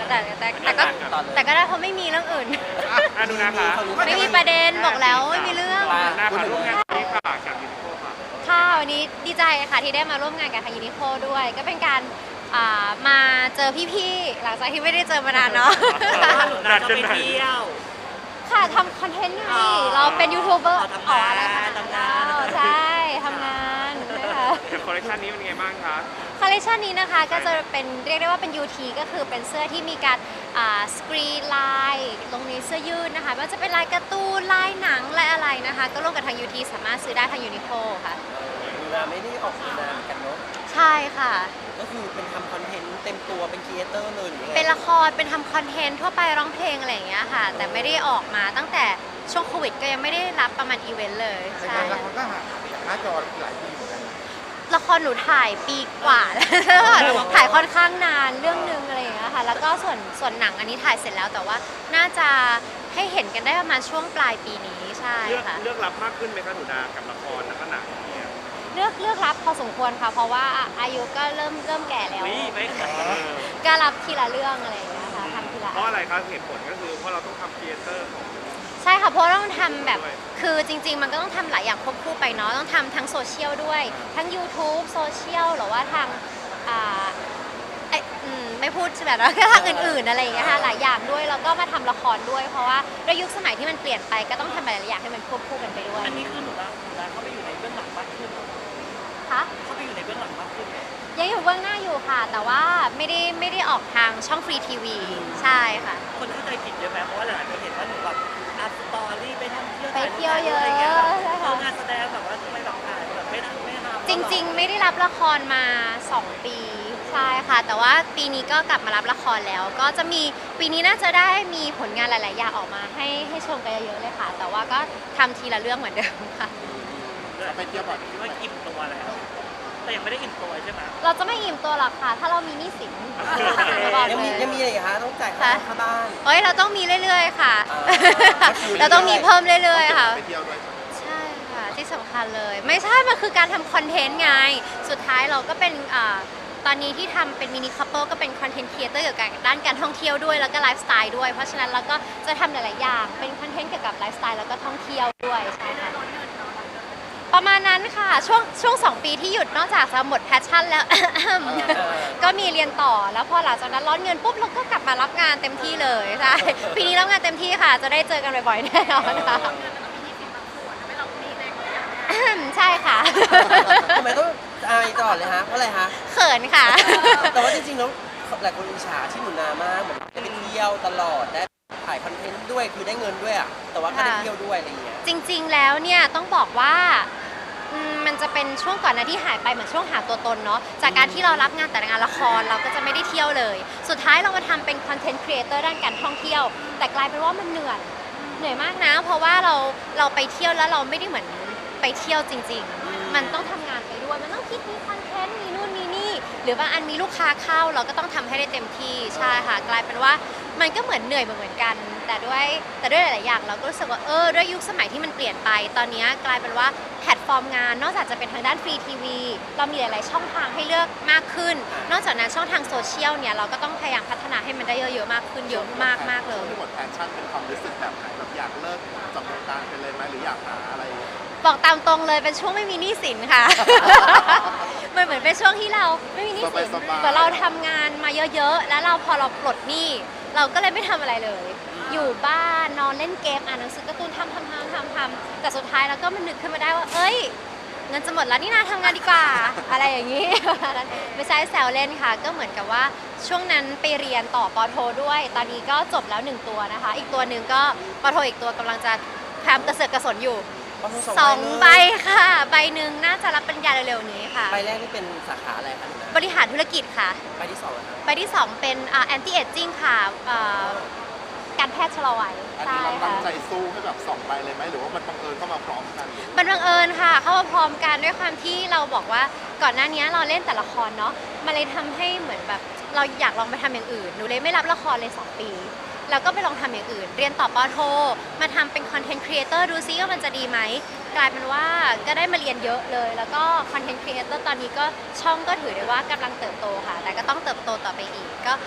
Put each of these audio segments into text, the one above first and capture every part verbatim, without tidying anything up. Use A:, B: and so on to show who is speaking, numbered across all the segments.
A: แต่แต่แต่ก็แต่ก็ได้เพราะไม่มีเรื่องอื่น
B: อ่ะดูนะคะ
A: ไม่มีประเด็นบอกแล้วไม่มีเรื่อง
B: หน้าค่ะร่วมงานนี้ค่ะกับยูนิโคค่ะ
A: ค่ะวันนี้ดีใจค่ะที่ได้มาร่วมงานกับทางยูนิโคด้วยก็เป็นการอ่ามาเจอพี่ๆหลังจากที่ไม่ได้เจอมานานเนาะ
C: หนูนาจะไปเที่ยว
A: ค่ะทำคอนเทนต์ไง
C: อ๋อ
A: เราเป็นยูทูบเบอร์
C: อ๋อทำงาน
A: อะไรคะ
C: ทำงาน
A: ใช่ทำงานนะคะ
B: กับคอลเลคชันนี้เป็นไงบ้างคะ
A: คอลเลคชันนี้นะคะก็จะเป็นเรียกได้ว่าเป็น ยู ที ก็คือเป็นเสื้อที่มีการสกรีนลายลงในเสื้อยืดนะคะไม่ว่าจะเป็นลายการ์ตูนลายหนังลายอะไรนะคะ ก็ร่วมกับทาง ยู ที สามารถซื้อได้ทางยูนิโคค่ะ
D: ดูนาไม่ได้ออกงานกันเนาะ
A: ใช่ค่ะ
D: ก็คือเป็นทำคอนเทนต์เต็มตัวเป็นครีเอเตอร์เลยหรือยังไง
A: เป็นละครเป็นทำคอนเทนต์ทั่วไปร้องเพลงอะไรอย่างเงี้ยค่ะ แต่ไม่ได้ออกมาตั้งแต่ช่วงโควิดก็ยังไม่ได้รับประมาณอีเวนต์เลย
E: แต่
A: ใช่
E: งานละครก็ห่างจากหน้าจอหลายปีเหมือนกันนะ
A: ละครหนูถ่ายปีกว่าแล้วถ่ายค่อนข้างนานเรื่องนึงอะไรอย่างเงี้ยค่ะแล้วก็ส่วนส่วนหนังอันนี้ถ่ายเสร็จแล้วแต่ว่าน่าจะให้เห็นกันได้ประมาณช่วงปลายปีนี้ใช่
B: เลือก
A: ค่ะ
B: เลือกรับมากขึ้นไหมคะหนูนากับละครแล้วก็หนังเนี่ย
A: เลือกเลือกรับพอสมควรค่ะเพราะว่าอายุก็เริ่มเริ่มแก่แล้ว
B: นี่ไม่ค่ะ
A: ก็รับทีละเรื่องอะไรอย่างเงี้ยค่ะทำทีละ
B: เพราะอะไรคะเหตุผลก็คือเพราะเราต้องทำครีเอเตอร์ของ
A: ใช่ค่ะเพราะต้องทำแบบคือจริง ๆ มันก็ต้องทำหลายอย่างควบคู่ไปเนาะต้องทำทั้งโซเชียลด้วยทั้ง YouTube โซเชียลหรือว่าทางอ่าไอ้อืมไม่พูดแบบแล้วก็ทางอื่นๆอะไรอย่างเงี้ยค่ะหลายอย่างด้วยแล้วก็มาทำละครด้วย เพราะว่าด้วยยุคสมัยที่มันเปลี่ยนไปก็ต้องทำหลายๆอย่างให้มันควบคู่กันไปด้วย
C: อันนี้คือหนูนาหนูนาเข้าไปอยู่ในเบื้องหลังมากขึ้น
A: คะ
C: เข้าไปอยู่ในเบื้องหลังมากขึ้น
A: ยังอยู่เบื้องหน้าอยู่ค่ะ แต่ว่าไม่ได้ไม่ได้ออกทางช่องฟรีทีวีใช่ค่ะ
C: คนเข้าใจผิดเยอะไหมเพราะว่าหลายคนเห็นว่าหนูแบบอัพสตอรี่ไปท่องเที่ยว
A: ไปเที่ยวเยอะ
C: ไรเงี้ยแบบ
A: ใช่ค่ะ
C: งานแสดงแบบว่าทำไมแบบถ่ายแบบไม่ทำไม่ทำ
A: จริงๆ ไม่ได้รับละครมาสองปีใช่ค่ะ แต่ว่าปีนี้ก็กลับมารับละครแล้ว ก็จะมีปีนี้น่าจะได้มีผลงานหลายๆอย่างออกมาให้ให้ชมกันเยอะๆเลยค่ะ แต่ว่าก็ทำทีละเรื่องเหมือนเดิมค่ะ
E: เราไปเที่ยวบ่อย
C: คิดว่าอิ่มตัวแล้ว แต่ยังไม่ได้อิ่มตัวใช่ไหม
A: เราจะไม่อิ่มตัวหรอกค่ะ ถ้าเรามีหนี้สินบอก
D: ยัง
A: เล
D: มี
A: ย
D: ยังมีอะไรอีกคะต้องจ่ายค่าค่าบ้าน
A: เอ้ยเราต้องมีเรื่อยๆค่ะ
D: อ่าก็คือเรื่อยๆ
A: เราต้องมีเพิ่มเรื่อยๆค่ะ
E: ไปเที่ยวด้วย
A: ใช่ค่ะที่สำคัญเลย ไม่ใช่ มันคือการทำคอนเทนต์ไง สุดท้ายเราก็เป็นอ่าตอนนี้ที่ทำเป็นมินิคัพเปิลก็เป็นคอนเทนต์ครีเอเตอร์เกี่ยวกับด้านการท่องเที่ยวด้วยแล้วก็ไลฟ์สไตล์ด้วย เพราะฉะนั้นเราก็จะทำหลายๆอย่างเป็นคอนเทนต์เกี่ยวกับไลฟ์สไตล์แล้วก็ท่องเที่ยวด้วยใช่ค่ะประมาณนั้นค่ะช่วงช่วงสองปีที่หยุดนอกจากจะหมดแพชชั่นแล้ว ก็มีเรียนต่อแล้วพอหลังจากนั้นร้อนเงินปุ๊บเราก็กลับมารับงานเต็มที่เลยใช่ปีนี้รับงานเต็มที่ค่ะ จะได้เจอกันบ่อยๆแน่นอนค่ะ ใช่ค่ะ
D: ทำไมต้องอายตลอดเลยฮะเพราะอะไรฮะ
A: เขินค่ะ
D: แต่ว่าจริงๆแล้วหลายคนอิจฉาที่หนูนามากเหมือนได้ไปเที่ยวตลอดได้ถ่ายคอนเทนต์ด้วยคือได้เงินด้วยอ่ะแต่ว่าก็ได้
A: ค่ะ
D: เที่ยวด้วยอะไรอย่างเงี้ย
A: จริงๆ แล้วเนี่ยต้องบอกว่าอืมมันจะเป็นช่วงก่อนหนะที่หายไปเหมือนช่วงหาตัวตนเนาะจากการที่เรารับงานแต่งานละครเราก็จะไม่ได้เที่ยวเลย สุดท้ายเรามาทำเป็นคอนเทนต์ครีเอเตอร์ด้านการท่องเที่ยว แต่กลายเป็นว่ามันเหนื่อยเหนื่อยมากนะ เพราะว่าเราเราไปเที่ยวแล้วเราไม่ได้เหมือนไปเที่ยวจริง ๆ มันต้องทำงานไปด้วยมันต้องคิดมีคอนเทนต์มีนู่นมีนี่หรือบางอันมีลูกค้าเข้าเราก็ต้องทำให้ได้เต็มที่ใช่ค่ะกลายเป็นว่ามันก็เหมือนเหนื่อยเหมือนกัน แต่ด้วยแต่ด้วยหลายๆอย่างเราก็รู้สึกว่าเออด้วยยุคสมัยที่มันเปลี่ยนไปตอนนี้กลายเป็นว่าแพลตฟอร์มงานนอกจากจะเป็นทางด้านฟรีทีวีเรามีหลายๆช่องทางให้เลือกมากขึ้น นอกจากนั้นช่องทางโซเชียลเนี่ยเราก็ต้องพยายามพัฒนาให้มันได้เยอะๆมากขึ้นเยอะมากมากๆเลย
E: ที่หมดแพชชั่นเป็นความรู้สึกแบบไหนแบบอยากเลิกจากวงการไปเลยไหมหรืออยากหาอะไร
A: บอกตามตรงเลยเป็นช่วงไม่มีหนี้สินค่ะ มันเหมือนเป็นช่วงที่เราไม่มีหนี้สิน
E: สบายๆ
A: เหมือนเราทำงานมาเยอะๆ แล้วเราพอเราปลดหนี้เราก็เลยไม่ทำอะไรเลย อยู่บ้านนอนเล่นเกมอ่านหนังสือการ์ตูนทำทำทำทำทำแต่สุดท้ายเราก็มันนึกขึ้นมาได้ว่าเอ้ยเงินจะหมดแล้วนี่นาทำงานดีกว่า อะไรอย่างนี้ ไม่ใช่แซวเล่นค่ะ ก็เหมือนกับว่าช่วงนั้นไปเรียนต่อปอโทด้วย ตอนนี้ก็จบแล้วหนึ่งตัวนะคะ อีกตัวหนึ่งก็ปอโทอีกตัวกำลังจะพยายามกระเสือกกระสนอยู่ สองใบค่ะ ใบหนึ่งน่าจะรับปริญญาเร็วๆนี้ค่ะ
D: ใบแรกนี่เป็นสาขาอะไรคะหนูนา
A: บริหารธุรกิจค่ะ
D: ใบที่สองอะคะ
A: ใบที่สองเป็นอ่า anti aging ค่ะอ่าการแพทย์ชะลอวัย
E: อัน
A: ใช่
E: นี้เราตั้
A: ค่ะ
E: งใจสู้ให้แบบสองใบเลยไหมหรือว่ามันบังเอิญเข้ามาพร้อมกัน
A: มันบังเอิญค่ะ เข้ามาพร้อมกันด้วยความที่เราบอกว่าก่อนหน้านี้เราเล่นแต่ละครเนาะมันเลยทำให้เหมือนแบบเราอยากลองไปทำอย่างอื่นหนูเลยไม่รับละครเลยสองปีแล้วก็ไปลองทำอย่างอื่น เรียนต่อปอโทมาทำเป็นคอนเทนต์ครีเอเตอร์ดูซิว่ามันจะดีไหมกลายเป็นว่าก็ได้มาเรียนเยอะเลย แล้วก็คอนเทนต์ครีเอเตอร์ตอนนี้ก็ช่องก็ถือได้ว่ากำลังเติบโตค่ะ แต่ก็ต้องเติบโตต่อไปอีก ก็ฝากด้วย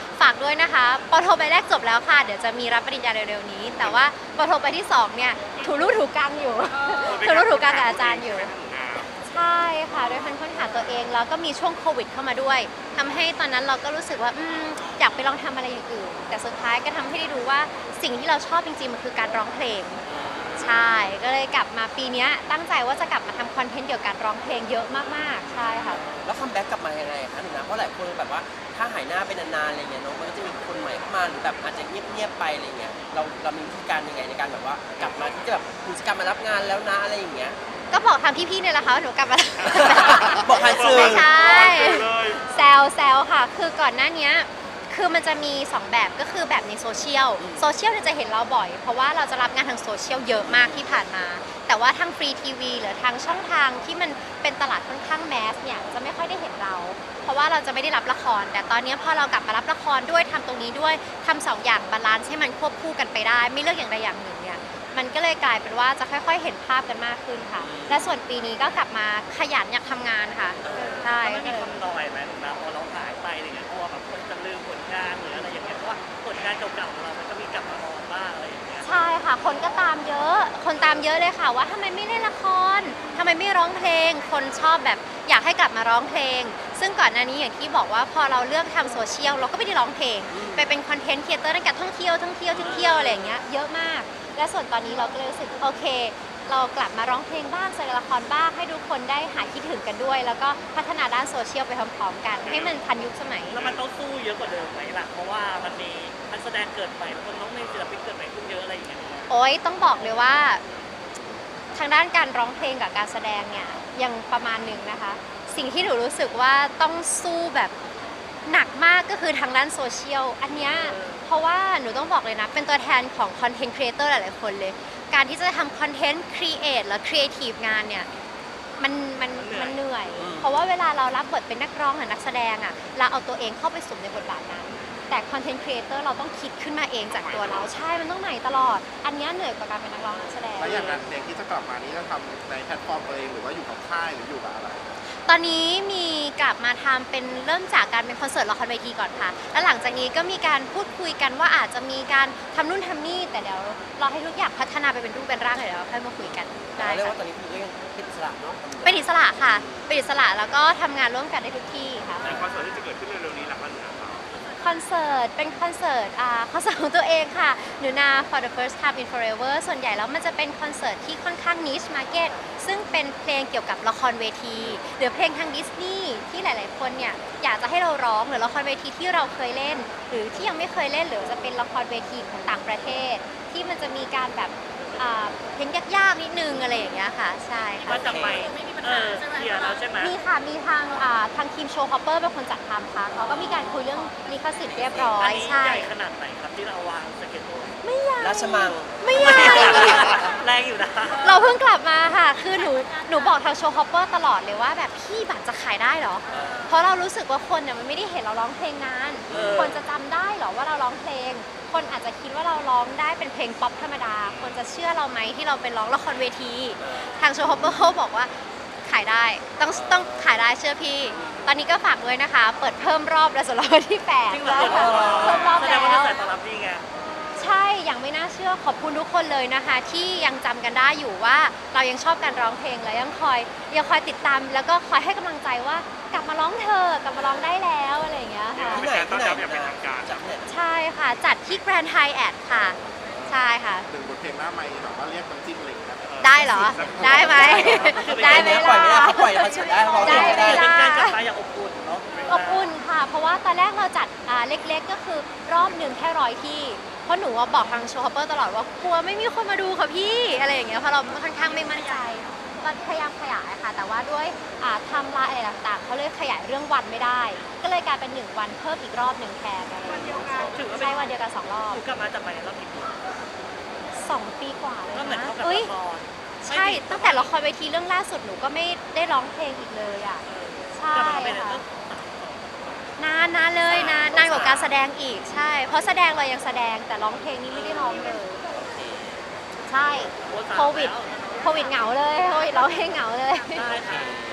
A: ด้วยนะคะปโทใบแรกจบแล้วค่ะเดี๋ยวจะมีรับปริญญาเร็วๆนี้ แต่ว่าปโทใบที่สองเนี่ยถูรูถูกังอยู่ ถูรูถูกังกับอาจารย์อยู่ ใช่ค่ะด้วยการค้นหาตัวเองแล้วก็มีช่วงโควิดเข้ามาด้วยทำให้ตอนนั้นเราก็รู้สึกว่าอืมอยากไปลองทำอะไรอย่างอื่นแต่สุดท้ายก็ทำให้ได้รู้ว่าสิ่งที่เราชอบจริงๆมันคือการร้องเพลงใช่ก็เลยกลับมาปีนี้ตั้งใจว่าจะกลับมาทำคอนเทนต์เกี่ยวกับการร้องเพลงเยอะมากๆใช่ค่ะ
D: แล้วคัมแบ็กกลับมายังไงคะหนูนะเพราะหลายคนแบบว่าถ้าหายหน้าไปนานๆอะไรเงี้ยเนาะมันก็จะมีคนใหม่เข้ามาหรือแบบอาจจะเงียบๆไปอะไรเงี้ยเราเรามีวิธีการยังไงในการแบบว่ากลับมาที่จะแบบกิจกรรมมารับงานแล้วนะอะไรอย่างเงี้ย
A: ก็บอกทางพี่ๆเนี่ยแหละค่ะว่าหนูกลับมา
D: บอกผ่านสื่อ
A: ไม่ใช่
B: เลย
A: แซวแซวค่ะ คือก่อนหน้านี้คือมันจะมีสองแบบก็คือแบบในโซเชียลโซเชียลเนี่ยจะเห็นเราบ่อย เพราะว่าเราจะรับงานทางโซเชียลเยอะมากที่ผ่านมา แต่ว่าทางฟรีทีวีหรือทางช่องทางที่มันเป็นตลาดค่อนข้างแมสเนี่ยจะไม่ค่อยได้เห็นเรา เพราะว่าเราจะไม่ได้รับละคร แต่ตอนนี้พอเรากลับมารับละครด้วยทำตรงนี้ด้วยทำสองอย่างบาลานซ์ให้มันควบคู่กันไปได้ ไม่เลือกอย่างใดอย่างหนึ่งเนี่ยมันก็เลยกลายเป็นว่าจะค่อยๆเห็นภาพกันมากขึ้นค่ะ และส่วนปีนี้ก็กลับมาขยันอยากทำงานค่ะใช่
C: ไม่
A: ก็
C: มี
A: เลย
C: คนน้อยไหมหนูนะพอเราหายไปอะไรเงี้ยกลัวแบบคนจะลืมผลงานหรืออะไรอย่างเงี้ยเพราะว่าผลงานเก่าๆของเรามันก็มีกลับมามองบ้างอะไรอย่างเงี้ย
A: ใช่ค่ะ คนก็ตามเยอะ คนตามเยอะเลยค่ะว่าทำไมไม่เล่นละครทำไมไม่ร้องเพลง คนชอบแบบอยากให้กลับมาร้องเพลง ซึ่งก่อนหน้านี้อย่างที่บอกว่าพอเราเลือกทำโซเชียลเราก็ไม่ได้ร้องเพลง ไปเป็นคอนเทนต์ครีเอเตอร์ในการท่องเที่ยวท่องเที่ยวท่องเที่ยวอะไรอย่างเงี้ยเยอะมาก และส่วนตอนนี้เราก็เลยรู้สึกโอเค เรากลับมาร้องเพลงบ้างแสดงละครบ้างให้ทุกคนได้หายคิดถึงกันด้วย แล้วก็พัฒนาด้านโซเชียลไปพร้อมๆกัน ให้มันทันยุคสมัย
C: แล้วมันต้องสู้เยอะกว่าเดิมไหมล่ะเพราะว่ามันมีนักแสดงเกิดใหม่คนน้องในศิลปินเกิดใหม่ขึ้นเยอะอะไรอย่างเงี้ย
A: โอ้ยต้องบอกเลยว่า ทางด้านการร้องเพลงกับการแสดงเนี่ยยังประมาณหนึ่งนะคะ สิ่งที่หนูรู้สึกว่าต้องสู้แบบหนักมากก็คือทางด้านโซเชียลอันเนี้ยเพราะว่าหนูต้องบอกเลยนะ เป็นตัวแทนของคอนเทนต์ครีเอเตอร์หลายๆคนเลย การที่จะทำคอนเทนต์ครีเอทและครีเอทีฟงานเนี่ยมันมันมันเหนื่อย เพราะว่าเวลาเรารับบทเป็นนักร้องหรือนักแสดงอ่ะเราเอาตัวเองเข้าไปสวมในบทบาทนั้น แต่คอนเทนต์ครีเอเตอร์เราต้องคิดขึ้นมาเองจากตัวเราใช่มันต้องใหม่ตลอด อันเนี้ยเหนื่อยกว่าการเป็นนักร้องนักแสดง
E: แล้วอย่างงานเพลงที่จะกลับมานี้จะทำในแพลตฟอร์มตัวเองหรือว่าอยู่กับค่ายหรืออยู่กับอะไร
A: ตอนนี้มีกลับมาทำเป็นเริ่มจากการเป็นคอนเสิร์ตละครเวทีก่อนค่ะ แล้วหลังจากนี้ก็มีการพูดคุยกันว่าอาจจะมีการทำนู่นทำนี่แต่เดี๋ยวรอให้ทุกอย่างพัฒนาไปเป็นรูปเป็นร่างเดี๋ยวเราค่อยมาคุยกันได้
D: เรียก
A: ค่ะ
D: ว่าตอนนี้คือก็ยังเป็นอิสระเนาะ
A: เป็นอิสระค่ะเป็นอิสระแล้วก็ทำงานร่วมกันได้ทุกที่ค่ะ
B: ในคอนเสิร์ตที่จะเกิดขึ้นเร็วๆนี้ล่ะคะหนูนาครับ
A: คอนเสิร์ตเป็นคอนเสิร์ตอ่าคอนเสิร์ตของตัวเองค่ะหนูนา for the first time in forever ส่วนใหญ่แล้วมันจะเป็นคอนเสิร์ตที่ค่อนข้าง niche market ซึ่งเป็นเพลงเกี่ยวกับละครเวทีหรือเพลงทางดิสนีย์ที่หลาย ๆ คนเนี่ยอยากจะให้เราร้องหรือละครเวทีที่เราเคยเล่น หรือที่ยังไม่เคยเล่นหรือจะเป็นละครเวทีของต่างประเทศ ที่มันจะมีการแบบอ่าเพลงยาก ๆ นิดนึงอะไรอย่างเงี้ยค่ะใช่ค่ะ
C: ว่าจะไปเออเคลียร์แล้วใช่ไหม
A: มีค่ะ มีทางอ่าทางทีมโชว์ฮอปเปอร์เป็นคนจัดทำค่ะเขาก็มีการคุยเรื่องลิขสิทธิ์เรียบร้อ
C: อัน
A: ย
C: นี้
A: ใช่
C: ใหญ่ขนาดไหนครับที่เราวางสเก็ตบอร์ด
A: ไม่ใหญ่
D: ราชมัง
A: ไม่ใหญ่
C: แรงอยู่นะ
A: เราเพิ่งกลับมาค่ะ คือหนูหนูบอกทางโชว์ฮอปเปอร์ตลอดเลยว่าแบบพี่บัตรจะขายได้เหรอ เพราะเรารู้สึกว่าคนเนี่ยมันไม่ได้เห็นเราร้องเพลงนาน
C: เออ
A: คนจะจำได้เหรอว่าเราร้องเพลง คนอาจจะคิดว่าเราร้องได้เป็นเพลงป๊อปธรรมดา คนจะเชื่อเราไหมที่เราเป็นร้องละครเวที ทางโชว์ฮอปเปอร์เขาบอกว่าขายได้ ต้องต้องขายได้เชื่อพี่ ตอนนี้ก็ฝากด้วยนะคะ เปิดเพิ่มรอบแล้วสำหรับวันที่แปด
C: จริงเหรอ
A: แล้วค่ะเพิ่มรอบ
C: แสด
A: แล้
C: งว่ากระ
A: ว
C: แสตอบรับดีไง
A: ใช่ยังไม่น่าเชื่อขอบคุณทุกคนเลยนะคะ ที่ยังจำกันได้อยู่ว่าเรายังชอบการร้องเพลงและยังคอยยังคอยติดตาม แล้วก็คอยให้กำลังใจว่ากลับมาร้องเธอะกลับมาร้องได้แล้วอะไรอย่างเงี้ยค่ะ
D: ที่ไหนที่ไหน
B: เป็นการต้อนรับอย่างเป็นทางการ
D: จากที่ไหน
A: ใช่ค่ะ จัดที่แกรนด์ไฮแอทค่ะ ใช่ค่ะ
E: หนึ่งบทเพลงหน้าไมค์แบบว่าเรียกน้ำจิ้มอะไรอย่างเงี้ย
A: ได้เหรอ ได้ไหม ได้ไหม
D: ปล่อยไม่ได้
A: ล่ะ
D: เขาปล่อยเขาเฉียดได้เขาบอก
A: ได้
D: ไม่
A: ไหม
D: ได้
A: ล่ะ
C: เป็นการกลับมาอย่างอบอุ่นเนาะ
A: อบอุ่นค่ะ เพราะว่าตอนแรกเราจัดอ่าเล็กๆ ก็คือรอบหนึ่งแค่ร้อยที่ เพราะหนูว่าบอกทางโชว์ฮอปเปอร์ตลอดว่ากลัวไม่มีคนมาดูค่ะพี่อะไรอย่างเงี้ยเพราะเราค่อนข้างไม่มั่นใจก็พยายามขยายค่ะ แต่ว่าด้วยอ่าไทำลายอะไรต่างๆเขาเลยขยายเรื่องวันไม่ได้ ก็เลยกลายเป็นหนึ่งวันเพิ่มอีกรอบหนึ่งแทนอะไรอย่างเงี้ย
C: ถือว่าเป็
A: ใช่
C: น
A: วันเดียวกันสองรอบ
C: ถูกกลับมาจากไปในรอบกี่ปี
A: สองปีกว่าเลย
C: ก็เหมือน
A: นะ
C: เท่ากับ
A: อุ้ย
C: ละคร
A: ใช่ตั้งแต่ละครเวทีเรื่องล่าสุดหนูก็ไม่ได้ร้องเพลงอีกเลยอ่ะใช่
C: กลับมาเป็น
A: ค่ะ
C: เรื่อง
A: นานนานเลยนะนานกว่าการแสดงอีกใช่ เพราะแสดงเรายังแสดงแต่ร้องเพลงนี้ไม่ได้ร้องเลย ใช่โควิดโควิดเหงาเลยโควิดร้องเพลงเหงาเลย
C: ได้ค่ะ